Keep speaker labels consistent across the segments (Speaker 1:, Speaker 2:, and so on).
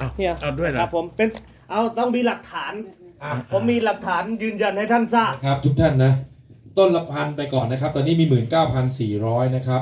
Speaker 1: เอาด้วยเหรอ
Speaker 2: ครับผมเป็นต้องมีหลักฐานผมมีหลักฐานยืนยันให้ท่านทราบ
Speaker 3: ครับทุกท่านนะต้นละพันไปก่อนนะครับตอนนี้มี 19,400 นะครับ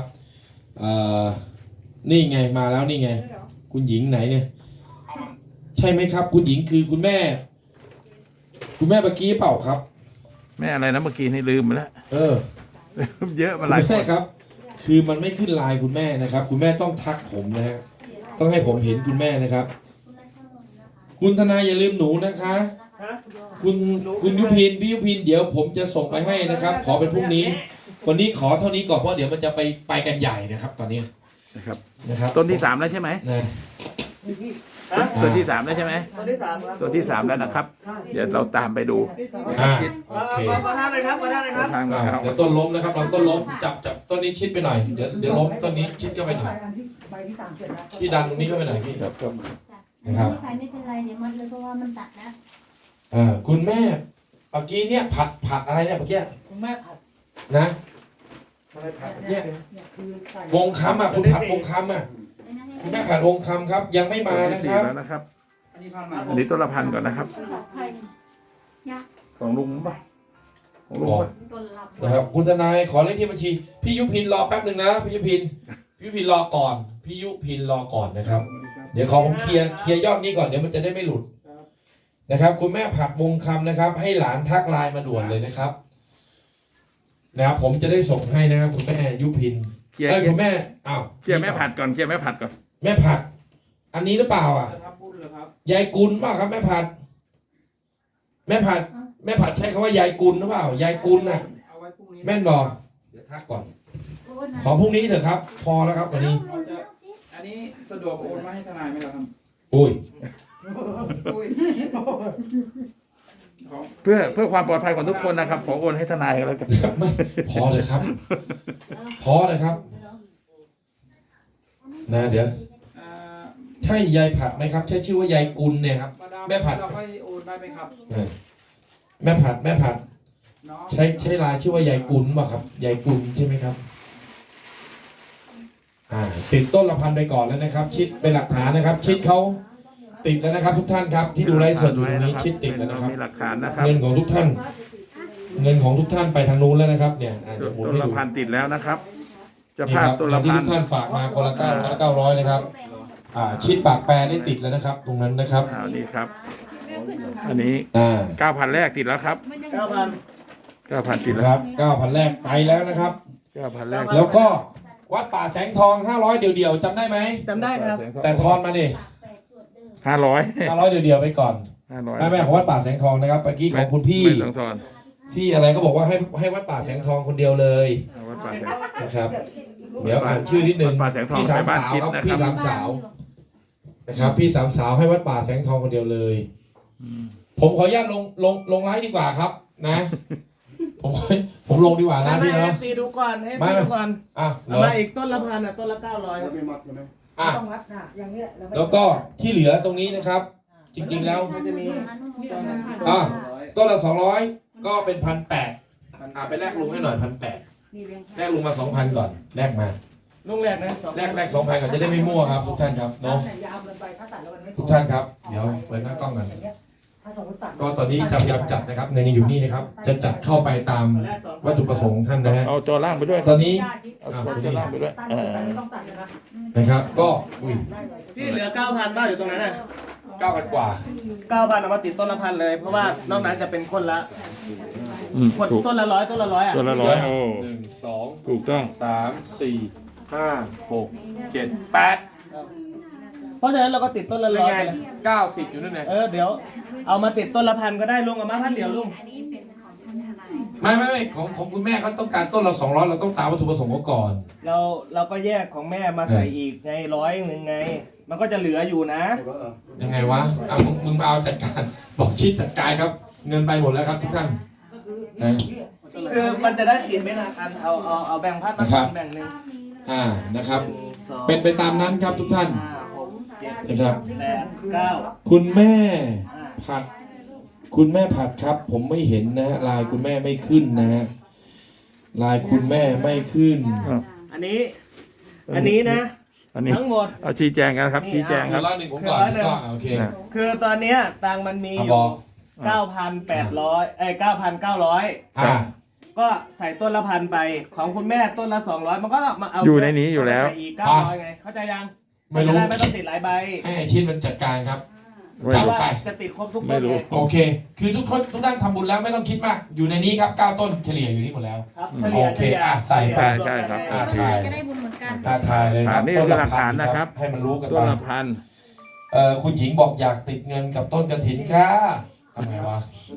Speaker 3: นี่ไงมาแล้วนี่ไงคุณหญิงไหนเนี่ยใช่ไหมครับคุณหญิงคือคุณแม่เมื่อกี้เปล่าครับ
Speaker 1: แม่อะไรนะเมื่อกี้นี่ลืมไปแล้ว เยอะมาหลายค
Speaker 3: แม่
Speaker 1: น
Speaker 3: ครับ คือมันไม่ขึ้นไลน์คุณแม่นะครับ คุณแม่ต้องทักผมนะฮะต้องให้ผมเห็นคุณแม่นะครับ คุณทนายอย่าลืมหนูนะคะ คุณยุพินพี่ยุพินเดี๋ยวผมจะส่งไปให้นะครับ ขอเป็นพรุ่งนี้ วันนี้ขอเท่านี้ก่อนเพราะเดี๋ยวมันจะไปกันใหญ่นะครับ ตอนนี้ นะครับ
Speaker 1: ต้นที่ 3แล้วใช่ไหม
Speaker 3: นะ
Speaker 1: ต้นที่ 3แล้วใช่ไหม
Speaker 2: ต้นที่ 3ครับ
Speaker 1: ต้นที่ 3แล้วนะครับ เดี๋ยวเราตามไปดู
Speaker 3: โอเค
Speaker 2: มาท่านเลยครับมาท่านเลยครับ
Speaker 1: ทาง
Speaker 3: เดี๋ยวต้นล้มนะครับเราต้นล้มจับต้นนี้ชิดไปหน่อยเดี๋ยวล้มต้นนี้ชิดเข้าไปหน่อยพี่ดันตรงนี้เข้าไปหน่อยพี่ครับนะครับ
Speaker 4: ไม่ใส่ไม่เป็นไรเดี๋ยวมัดเลยเพราะว่ามันตัดแล้ว
Speaker 3: คุณแม่เมื่อกี้เนี่ยผัดอะไรเนี่ยเมื่อกี้
Speaker 2: คุณแม่ผัด
Speaker 3: นะอะไรผัดเนี่ยวงคำอ่ะคุณผัดวงคำอ่ะคุณแม่ผัดวงคำครับ ยังไม่มานะครับ
Speaker 1: แล้วนะครับ อันนี้ต้นละพันก่อนนะครับ ของลุงป่ะของลุงป่ะ
Speaker 3: นะครับคุณทนายขอเลขที่บัญชีพี่ยุพินรอแป๊บหนึ่งนะพี่ยุพินรอก่อนพี่ยุพินรอก่อนนะครับ เดี๋ยวขอผมเคลียร์ยอดนี้ก่อนเดี๋ยวมันจะได้ไม่หลุดนะครับ คุณแม่ผัดวงคำนะครับ ให้หลานทักไลน์มาด่วนเลยนะครับผมจะได้ส่งให้นะครับคุณแม่ยุพินคุณแม่
Speaker 1: เคลียร์แม่ผัดก่อนเคลียร์แม่ผัดก่อน
Speaker 3: แม่ผัด อันนี้หรือเปล่ายายกุลเปล่าครับแม่ผัด แม่ผัดใช้คำว่ายายกุลหรือเปล่ายายกุลน่ะแม่นบอกเดี๋ยวทักก่อน ขอพรุ่งนี้เถอะครับ พอแล้วครับวันนี้
Speaker 5: อันนี้สะดวกโอนมาให้ทนายไหมล่ะครับ
Speaker 3: อุ้ย
Speaker 1: เพื่อความปลอดภัยของทุกคนนะครับขอโอนให้ทนายกันแล้วกัน
Speaker 3: ไม่พอเลยครับ พอเลยครับนะเดี๋ยวใช่ยายผัดไหมครับ ใช่ชื่อว่ายายกุลเนี่ยครับ แม่ผัด
Speaker 5: เราค่อยโอนได้ไหมครับ
Speaker 3: แม่ผัด
Speaker 5: เนาะ
Speaker 3: ใช่ลายชื่อว่ายายกุลป่ะครับยายกุลใช่ไหมครับติดต้นละพันไปก่อนแล้วนะครับ ชิดเป็นหลักฐานนะครับ ชิดเขาติดแล้วนะครับ ทุกท่านครับ ที่ดูไลฟ์สดอยู่ตรงนี้ชิดติดแล้วนะครับ
Speaker 1: มีหลักฐานนะครับ
Speaker 3: เงินของทุกท่านไปทางนู้นแล้วนะครับ เนี่ยเดี๋ยวหมุน
Speaker 1: ต้น
Speaker 3: ให้
Speaker 1: ละ
Speaker 3: ดู
Speaker 1: พันติดแล้วนะครับจะ
Speaker 3: นี่
Speaker 1: ภา
Speaker 3: ค
Speaker 1: พ
Speaker 3: รับ
Speaker 1: ต้นละ
Speaker 3: ที่
Speaker 1: พัน
Speaker 3: ทุกท่านฝากมาคนละ900นะครับ ชิดปากแปรได้ติดแล้วนะครับ ตรงนั้นนะครับ
Speaker 1: นี่ครับ อันนี้ 9,000 แรกติดแล้วครับ
Speaker 2: 9,000
Speaker 1: 9,000 ติด
Speaker 3: ค
Speaker 1: แล้ว
Speaker 3: รับ 9,000 แรกไปแล้วนะครับ
Speaker 1: 9,000 แรก
Speaker 3: แล้วก็วัดป่าแสงทอง500เดี่ยวๆจำได้ไหม
Speaker 2: จำได้ครับ
Speaker 3: แต่ทอนมาดิ
Speaker 1: 500
Speaker 3: 500เดี่ยวๆไปก่อน
Speaker 1: 500
Speaker 3: แม่ของวัดป่าแสงทองนะครับเมื่อกี้ของคุณพี่
Speaker 1: ไม่ต้องทอน
Speaker 3: พี่อะไรก็บอกว่าให้วัดป่าแสงทองคนเดียวเลย
Speaker 1: วัดป่าแสง
Speaker 3: นะครับ เดี๋ยวอ่านชื่อนิดนึง
Speaker 1: วัดป่าแสงทอง
Speaker 3: พี่สาม
Speaker 1: ไปบ้าน
Speaker 3: สาว
Speaker 1: ชิด
Speaker 3: ครับ
Speaker 1: นะครับ
Speaker 3: พี่สามสาวนะครับ พี่สามสาวให้วัดป่าแสงทองคนเดียวเลย ผมขออนุญาตลงไลฟ์ดีกว่าครับ นะ ผมลงดีกว่านะพี่เนาะ
Speaker 2: ให้ดูก่อนให้ดูก่อน
Speaker 3: เหรอ
Speaker 2: มาอีกต้นละพันต้นละ900
Speaker 6: ต้องวัดค่ะอย่างนี้แหละ
Speaker 3: แล้วก็ที่เหลือตรงนี้นะครับ จริงๆแล้ว
Speaker 2: มันจะมี
Speaker 3: ต้นละ200ก็เป็น1,800ไปแลกลุงให้หน่อย1,800แลกลุงมา 2,000 ก่อนแลกมา
Speaker 2: ลุงแรกนะ
Speaker 3: แลก 2,000 ก่อนจะได้ไม่มั่วครับทุกท่านครับเนาะ
Speaker 6: ยาวเกินไปถ้าตัดแล้วมันไม่พอ
Speaker 3: ทุกท่านครับเดี๋ยวเปิดหน้ากล้องกัน
Speaker 6: ถ้าสมมติตัด
Speaker 3: ก็ตอนนี้พยายามจัดนะครับเงินยังอยู่นี่นะครับ จะจัดเข้าไปตามวัตถุประสงค์ของท่านนะฮะ
Speaker 1: เอาจอล่างไปด้วย
Speaker 3: ตอนนี้
Speaker 1: เอาจอล่างไปด้วย
Speaker 6: ตัดไม่ต้องตัดเลยนะ
Speaker 3: นะครับก็อุ้ย
Speaker 2: ที่เหลือ 9,000บ้างอยู่ตรงนั้นน่ะ
Speaker 3: 9,000 กว่า
Speaker 2: 9,000เอามาติดต้นละพันเลย เพราะว่านอกนั้นจะเป็นคนละ คน
Speaker 1: ถูก
Speaker 2: ต้นละ100ต้นละ100อ่ะ
Speaker 1: ตัวละ100โอ้
Speaker 3: 1 2
Speaker 1: ถูกต้อง
Speaker 3: 3 4 5 6 7 8
Speaker 2: เพราะฉะนั้นเราก็ติดต้นละ
Speaker 3: เป็น
Speaker 2: 100
Speaker 3: ไง
Speaker 2: ไปเลย
Speaker 3: 90 อยู่นั่นไง
Speaker 2: เดี๋ยวเอามาติดต้นละพันก็ได้ลุงเอามาพันเดียวลุง
Speaker 3: ไม่ของคุณแม่เขาต้องการต้นละ200เราต้องตามวัตถุประสงค์เขาก่อน
Speaker 2: เราก็แยกของแม่มาใส่อีกไง100ไง มันก็จะเหลืออยู่นะ
Speaker 3: ยังไงวะมึงมาเอาจัดการบอกชิดจัดการครับ เงินไปหมดแล้วครับทุกท่านนะ
Speaker 2: คือมันจะได้ติดไม่นานกันเอาแบ่งพัดมาแบ่งหนึ่ง
Speaker 3: นะครับ
Speaker 2: 1 2
Speaker 3: เป็นไปตามนั้นครับทุกท่าน
Speaker 2: 5 6 7
Speaker 3: นะครับ
Speaker 2: 8 9
Speaker 3: คุณแม่ผัด คุณแม่ผัดครับ ผมไม่เห็นนะฮะไลายคุณแม่ไม่ขึ้นนะฮะไลายคุณแม่ไม่ขึ้น
Speaker 2: อันนี้นะ
Speaker 1: อันนี้
Speaker 2: ทั้งหมด
Speaker 1: เอาชี้แจงกันครับ
Speaker 2: นี่
Speaker 1: ชี้แจง
Speaker 3: คื
Speaker 1: ครั
Speaker 3: อบ 100ผมก่อน
Speaker 2: คือ100
Speaker 3: ก็โอเค
Speaker 1: นะ
Speaker 2: คือตอนเนี้ยตังค์มันมีอ
Speaker 3: บ
Speaker 2: ยู่
Speaker 3: อก
Speaker 2: 9,800
Speaker 3: อ่า
Speaker 2: ก็ใส่ต้นละ1,000ไปของคุณแม่ต้นละ200มันก็มาเอา
Speaker 1: อยู่ในนี้อยู่แล้ว
Speaker 2: ใส่อีก900ไงเข้าใจยัง
Speaker 3: ไม่รู้
Speaker 2: จะด้ไม่ต้องติดหลายใบ
Speaker 3: ให้ไอชิดมันจัดการครับ
Speaker 1: ไม่
Speaker 2: เพ
Speaker 1: รู้
Speaker 2: ราะว่า
Speaker 3: ไป
Speaker 2: จะติดครบทุก
Speaker 1: ไม่
Speaker 2: ต้น
Speaker 1: รู้
Speaker 2: ไง
Speaker 3: โอเค คือทุกคนทุกท่านทำบุญแล้วไม่ต้องคิดมาก อยู่ในนี้ครับ9ต้นเฉลี่ยอยู่นี่หมดแล้ว
Speaker 2: ครับ
Speaker 3: โอเคอ่ะใส่ไป
Speaker 1: ใช่ครับ
Speaker 3: อ่ะ
Speaker 4: ก็จะได้บุญเหมือนกัน
Speaker 3: ท้าทายเลยครับ
Speaker 1: นี่คือหลักฐานนะครับ
Speaker 3: ให้มันรู้กัน
Speaker 1: ต้
Speaker 3: ไป
Speaker 1: นละพัน
Speaker 3: คุณหญิงบอกอยากติดเงินกับต้นกระถินค่ะทำไงวะ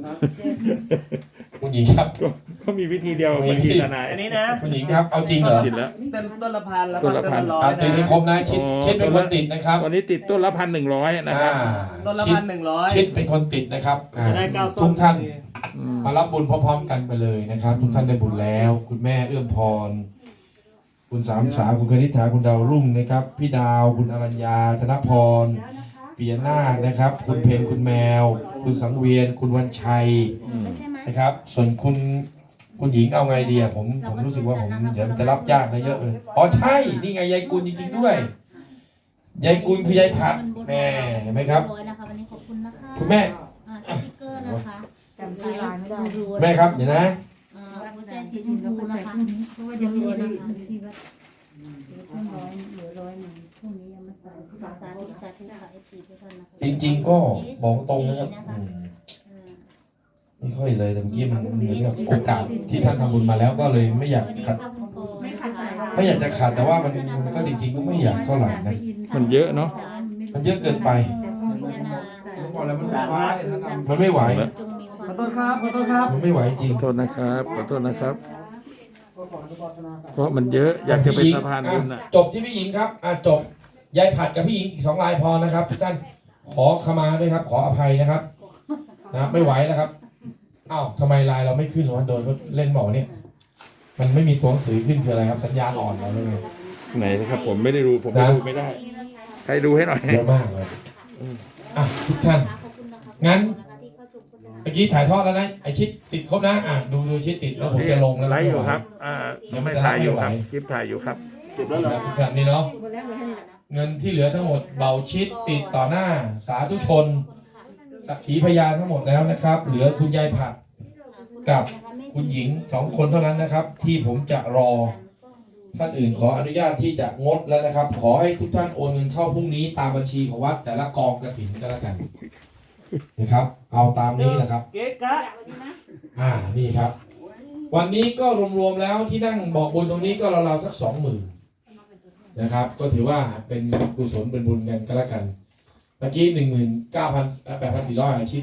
Speaker 3: คุณหญิงครับ
Speaker 1: ก็มีวิธีเดียว
Speaker 3: มี
Speaker 1: บัญ
Speaker 3: วิธี
Speaker 1: ชีทนาย
Speaker 2: อันนี้นะ
Speaker 3: คุณหญิงครับเอาจริงเหรอ
Speaker 1: ติดแล้ว
Speaker 2: ต้นละ1,000แล้ว
Speaker 1: ต้
Speaker 2: ก็
Speaker 1: นละ
Speaker 2: ต้นละ
Speaker 1: 1,000
Speaker 2: ร้อย
Speaker 3: ติดให้ครบนะชิด
Speaker 1: อ๋อ
Speaker 3: ชิดเป็นคนติดนะครับ
Speaker 1: วันนี้ติดต้นละ1,100นะครับ
Speaker 2: ต้นละ
Speaker 3: ชิด
Speaker 2: 1,100
Speaker 3: ชิดเป็นคนติดนะครับอ่า
Speaker 2: จะได้9ต้น
Speaker 3: ทุกท่าน
Speaker 1: อืม
Speaker 3: มารับบุญพร้อมๆกันไปเลยนะครับ ทุกท่านได้บุญแล้ว คุณแม่เอื้อมพร คุณสามสาวคุณคณิษฐาคุณดาวรุ่งนะครับ พี่ดาวคุณอรัญญาธนพรปียนาถนะครับ คุณเพนคุณแมว คุณสังเวียน คุณวันชัย
Speaker 4: ไม่ใช่ไหม
Speaker 3: นะครับ ส่วนคุณหญิงเอาไงดีอะผมรู้สึกว่าผมเดี๋ยวมันจะรับยากนะเยอะเลยอ๋อใช่นี่ไงยายกุลจริงๆด้วยยายกุลคือยายผัดแม่เห็นไหมครับ
Speaker 4: ร้อยนะคะวันนี้ขอบคุณนะคะ
Speaker 3: คุณแม่
Speaker 4: สติ๊กเกอร์นะคะ
Speaker 6: จำชื่อลายไม่ได้
Speaker 3: แม่ครับเดี๋ยวนะ
Speaker 4: หัวใจสีชมพูนะคะ
Speaker 6: เพราะว่าจะมี
Speaker 4: นะ
Speaker 6: นะคะ
Speaker 4: เหลือ100พรุ่งนี้ยังมาใส่สาธุสาธุค่ะ FC ทุกท่านนะคะ
Speaker 3: จริงๆก็บอกตรงนะครับไม่ค่อยเลยแต่เมื่อกี้มันเหมือนกับโอกาสที่ท่านทำบุญมาแล้วก็เลยไม่อยากขัด
Speaker 4: ไม่ขัดสาย
Speaker 3: ไม่อยากจะขัดแต่ว่ามันก็จริงๆก็ไม่อยากเท่าไหร่นะ
Speaker 1: มันเยอะเนาะ
Speaker 3: มันเยอะเกินไป
Speaker 5: ผมบอกแล้วมันสบายถ้าทำ
Speaker 3: มันไม่ไหว
Speaker 2: ขอโทษครับขอโทษครับ
Speaker 3: มันไม่ไหวจริง
Speaker 1: ขอโทษนะครับขอโทษนะครับ เพราะมันเยอะอยากจะเป็นสะพานบุญ
Speaker 3: อ่ะ
Speaker 1: อ่ะ
Speaker 3: จบที่พี่หญิงครับจบยายผัดกับพี่หญิงอีก2รายพอนะครับทุกท่านขอขมาด้วยครับ ขออภัยนะครับนะไม่ไหวแล้วครับอ้าวทำไมไลน์เราไม่ขึ้นวะโดยเขาเล่นบอกเนี่ยมันไม่มีตัวหนังสือขึ้นคืออะไรครับ สัญญาณอ่อนเราเลย
Speaker 1: ไหนนะครับ ผมไม่ได้ดูผมไม่ดูไม่ได้ ใครดูให้หน่อย
Speaker 3: เยอะมากเลยทุกท่านงั้นเมื่อกี้ถ่ายทอดแล้วนะไอชิดติดครบนะดูชิดติดแล้วผมจะลงแล้ว
Speaker 1: ไลฟ์อยู่ครับยังไม่ถ่ายอยู่ครับคลิปถ่ายอยู่ครับ
Speaker 3: ทุกท่านนี่เนาะเงินที่เหลือทั้งหมดเบาชิดติดต่อหน้าสาธุชนสักขีพยานทั้งหมดแล้วนะครับ เหลือคุณยายผัดกับคุณหญิง2คนเท่านั้นนะครับ ที่ผมจะรอท่านอื่นขออนุญาตที่จะงดแล้วนะครับ ขอให้ทุกท่านโอนเงินเข้าพรุ่งนี้ตามบัญชีของวัดแต่ละกองกฐินก็แล้วกันนะครับ เอาตามนี้นะครับ
Speaker 2: เก๊กะ
Speaker 3: นี่ครับ วันนี้ก็รวมๆแล้วที่นั่งบอกบุญตรงนี้ก็ราวๆสัก20,000นะครับ ก็ถือว่าเป็นกุศลเป็นบุญกันก็แล้วกันเมื่อกี้8,400อาชีพ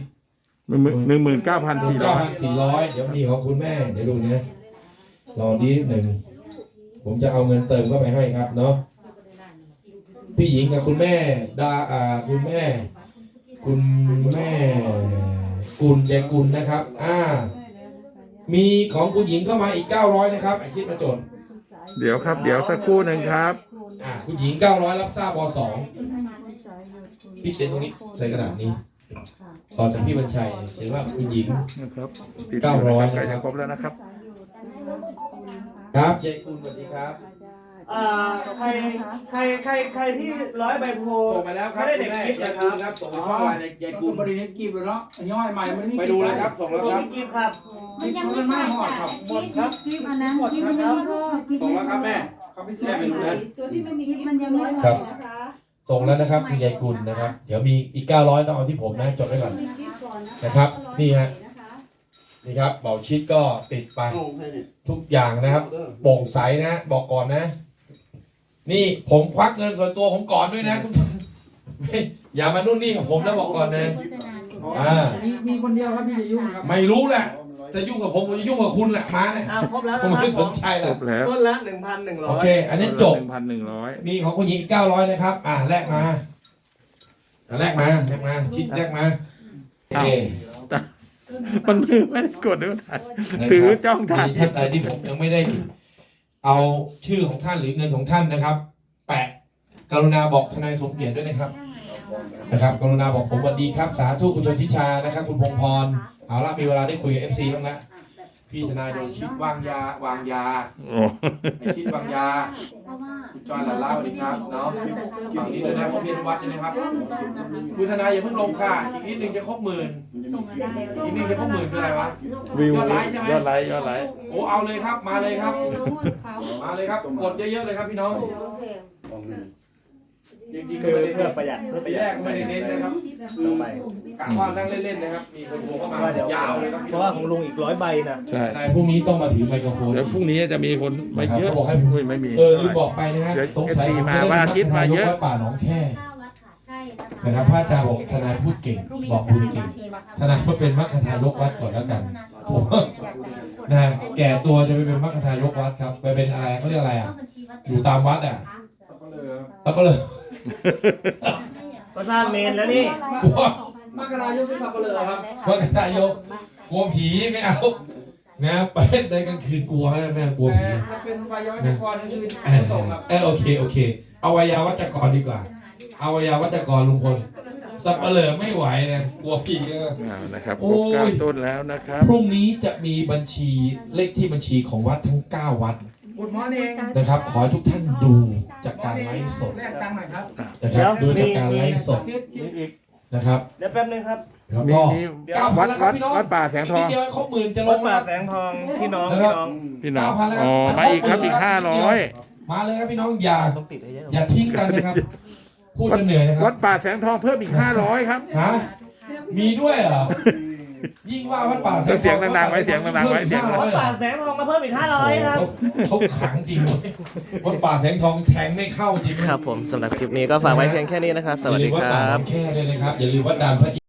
Speaker 1: 19,400
Speaker 3: เดี๋ยวมีของคุณแม่เดี๋ยวดูนะรอนิดหนึ่งผมจะเอาเงินเติมเข้าไปให้ครับเนาะพี่หญิงกับคุณแม่คุณแม่กุลยายกุลนะครับมีของคุณหญิงเข้ามาอีก900นะครับอาชีพมาจด
Speaker 1: เดี๋ยวครับ เดี๋ยวสักครู่หนึ่งครับ
Speaker 3: คุณหญิง900รับทราบว2พี่เขียนตรงนี้ใส่กระดาษนี้ต่อจากพี่บรรชัยเขียนว่าคุณหญิง
Speaker 1: นะครับ
Speaker 3: 900
Speaker 1: ใกล้จะครบแล้วนะครับ
Speaker 3: ครับยายกุลสวัสดีครับ
Speaker 2: ใครที่100ใบโพ
Speaker 5: ส่งไปแล้วครับ
Speaker 2: ไม่ได้เด็กกิฟต์
Speaker 5: ยาย
Speaker 2: นะค
Speaker 5: กุ
Speaker 2: รั
Speaker 5: ล
Speaker 2: บ
Speaker 5: ครับส่งไปช่องไลน์ยายกุลบริเวณกีบเลยเนาะย่อยใหม่มันไม่
Speaker 3: ไปดูเลยครับส่งแล้ว
Speaker 2: มี
Speaker 3: ครับ
Speaker 2: กิฟต์ครับ
Speaker 4: มันยังไม่ใส่จ้ะ
Speaker 2: หมดครับ
Speaker 6: คลิปอันนั้นคลิปมันยังไม่พอคลิป
Speaker 3: ส่งแล้วครับแม่เขาไม่แม่ไปดูนะ
Speaker 7: ตัวที่ไม่มีกิ๊บมันยังไม่พอนะคะ
Speaker 3: ส่งแล้วนะครับคุณยายกุลนะครับ เดี๋ยวมีอีก900ต้องเอาที่ผมนะจดไว้ก่อน
Speaker 7: มีกิ๊บก่อนนะ
Speaker 3: นะครับนี่ฮะ นี่ครับเบาชิดก็ติดไปทุกอย่างนะครับโปร่งใสนะบอกก่อนนะ นี่ผมควักเงินส่วนตัวผมก่อนด้วยนะทุกท่านอย่ามานุ่นนี่กับผมนะบอกก่อนนะ
Speaker 5: มีคนเดียวครับที่จะยุ่งครับ
Speaker 3: ไม่รู้แหละจะยุ่งกับผมจะยุ่งกับคุณแหละมาเนี่ย
Speaker 2: ครบแล้ว
Speaker 3: ผม
Speaker 2: นะค
Speaker 3: ไม่
Speaker 2: รับ
Speaker 3: สนใจหร
Speaker 1: คร
Speaker 3: อก
Speaker 1: บแล้ว
Speaker 2: ต้นละ
Speaker 3: โอเค
Speaker 2: 1,100
Speaker 3: อันนี้จบ
Speaker 1: 1,100
Speaker 3: มีของคุณหญิงอีก900นะครับแลกมาแลกมาชิดแลกมาโอเค
Speaker 1: มันมือไม่ได้กดด้วยถ่ายถือจ้องถ่าย
Speaker 3: มีท่านใดที่ผมยังไม่ได้เอาชื่อของท่านหรือเงินของท่านนะครับ แปะกรุณาบอกทนายสมเกียรติด้วยนะครับกรุณาบอกผมสวัสดีครับสาธุคุณชนทิชานะครับ คุณพงพรเอาละมีเวลาได้คุยกับ FC บ้างละพี่ทนายโดนชิดวางยา
Speaker 1: โอ้
Speaker 3: ไอชิดวางยา
Speaker 4: เพราะว่า
Speaker 3: คุณจอยหลานเล่าสวัสดีครับเนาะฝั่งนี้เลยนะผมเรียนวัดใช่ไหมครับคุณทนายอย่าเพิ่งลงค่ะอีกนิดนึงจะครบหมื่นอีกนิดนึงจะครบหมื่นคืออะไรวะ
Speaker 1: วิวย
Speaker 3: อดไลค์ใช่ไหม
Speaker 1: ยอดไลค์ยอดไลค์
Speaker 3: โอ้เอาเลยครับมาเลยครับมาเลยครับกดเยอะๆเลยครับพี่น้องจริงๆ
Speaker 2: คือ
Speaker 3: ไม่ได้
Speaker 2: เพื่อประหยัดเพื่อประห
Speaker 3: แร
Speaker 2: ยัด
Speaker 3: กไม่ได้เน้นนะครับ
Speaker 2: ต่อไป
Speaker 3: กะว่านั่งเล่นๆนะครับมีคนโทรเข้ามา
Speaker 2: เดี๋ยวย
Speaker 3: าวเลยครับ
Speaker 2: เพราะว่าของลุงอีก100 ใบนะ
Speaker 1: ใช่
Speaker 3: นายพรุ่งนี้ต้องมาถือไมโครโฟน
Speaker 1: เดี๋ยวพรุ่งนี้จะมีคนมาเยอะ
Speaker 3: เขาบอกให้
Speaker 1: อุ้ยไม่มี
Speaker 3: ลืมบอกไปนะฮะ
Speaker 1: เดี๋ยว
Speaker 3: สงสัย
Speaker 1: FC มาวันอาทิตย์มาเยอะ
Speaker 3: วัดป่าหนองแค่
Speaker 4: ใช่
Speaker 3: นะครับพระอาจารย์บอกทนายพูดเก่งบอกบุญเก่งทนายมาเป็นมัคคทายกวัดก่อนแล้วกันผมนะแก่ตัวจะไปเป็นมัคคทายกวัดครับไปเป็นอะไรเขาเรียกอะไรอ่ะอยู่ตามวัดอ่ะสับปะเลอ
Speaker 2: ก็สร้างเมนแล้วนี่
Speaker 3: กลัว
Speaker 5: มกรายุทธสับเปลือครับ
Speaker 3: มัคคทายกกลัวผีไม่เอานะไปในกลางคืนกลัวนะแม่กลัวผี
Speaker 5: ถ้าเป็นวัยวัจกรนี่คือ
Speaker 3: เออ
Speaker 5: ส่งครับ
Speaker 3: โอเคเอาวัยวัจกรดีกว่าเอาวัยวัจกรลุงพลสับปะเลอไม่ไหวนะกลัวผีก็
Speaker 1: นะครับ
Speaker 3: โอ้
Speaker 1: ครบ
Speaker 3: ย
Speaker 1: 9 ต้นแล้วนะครับ
Speaker 3: พรุ่งนี้จะมีบัญชีเลขที่บัญชีของวัดทั้ง 9 วัด
Speaker 5: บุญมอนี่
Speaker 3: นะครับ ขอให้ทุกท่านดูจากการไลฟ์สด
Speaker 5: แลกตังค์หน่อยครับ
Speaker 3: นะครับดูจากการไลฟ์สด
Speaker 2: มีอีก
Speaker 3: นะครับ
Speaker 2: เดี๋ยวแป๊บนึงครับ
Speaker 3: แล้ว
Speaker 1: มี
Speaker 3: ก็
Speaker 1: มี
Speaker 3: 9,000
Speaker 1: วัด
Speaker 3: แล้วครั
Speaker 1: วั
Speaker 3: บ
Speaker 1: ด
Speaker 3: พี่น้อง
Speaker 1: วัดป่าแสงทอง
Speaker 3: นิดเดียวครบหมื่นจะล
Speaker 2: วัด
Speaker 3: ง
Speaker 2: ป่า
Speaker 3: แล้ว
Speaker 2: แสงทองพี่น้อง
Speaker 3: นะครับ
Speaker 1: พี่น้อง
Speaker 3: 9,000แล้วครับ
Speaker 1: อ๋อมาอีกครับอีก 500
Speaker 3: มาเลยครับพี่น้องอย่า
Speaker 2: ต้องติดให้เยอะ
Speaker 3: อย่าทิ้งกันนะครับ พูดจะเหนื่อยนะค
Speaker 1: วั
Speaker 3: รั
Speaker 1: ด
Speaker 3: บ
Speaker 1: ป่าแสงทองเพิ่มอีก 500 ครับ
Speaker 3: ฮะมีด้วยเหรอยิ่งว่าวัดป่าแสงทอง
Speaker 1: เสียงดังๆไว้เสียงดังๆไว้เสียงดังๆ
Speaker 2: วัดป่าแสงทองมาเพิ่มอีก500ครับ
Speaker 3: เขาขังจริงเลยวัดป่าแสงทองแทงไม่เข้าจริง
Speaker 2: ครับผมสำหรับคลิปนี้ก็ฝากไว้เพียงแค่นี้นะครับ สวัสดี
Speaker 3: อย่าลืม
Speaker 2: ค
Speaker 3: วัดป่า
Speaker 2: รั
Speaker 3: หน
Speaker 2: บ
Speaker 3: องแค่ด้วยนะครับอย่าลืมวัดด่านพระ